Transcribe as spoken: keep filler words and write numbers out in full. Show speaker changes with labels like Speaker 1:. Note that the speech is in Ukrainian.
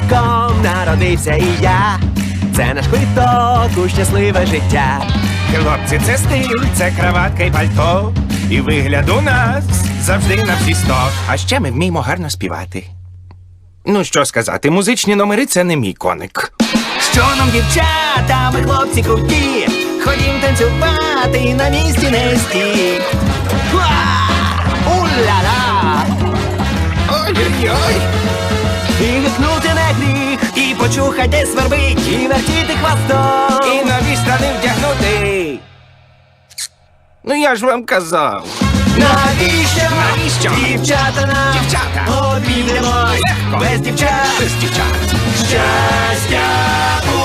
Speaker 1: чоловіком народився і я. Це наш квиток у щасливе життя.
Speaker 2: Хлопці, це стиль, це краватка і пальто. І вигляд у нас завжди на всі сто. А ще ми вміємо гарно співати. Ну, що сказати, музичні номери — це не мій коник.
Speaker 1: Що нам, дівчата, ми хлопці круті, ходім танцювати, на місці не стій. У-ля-ла!
Speaker 2: Ой-ой-ой!
Speaker 1: І гикнути не гріх, і почухать де свербить, і вертіти хвостом,
Speaker 2: І нові штани вдягнути. Ну я ж вам казав.
Speaker 1: Навіщо?
Speaker 2: Навіщо?
Speaker 1: Дівчата нам
Speaker 2: Дівчата!
Speaker 1: обійдемо
Speaker 2: Легко!
Speaker 1: без дівчат.
Speaker 2: Без дівчат.
Speaker 1: Щастя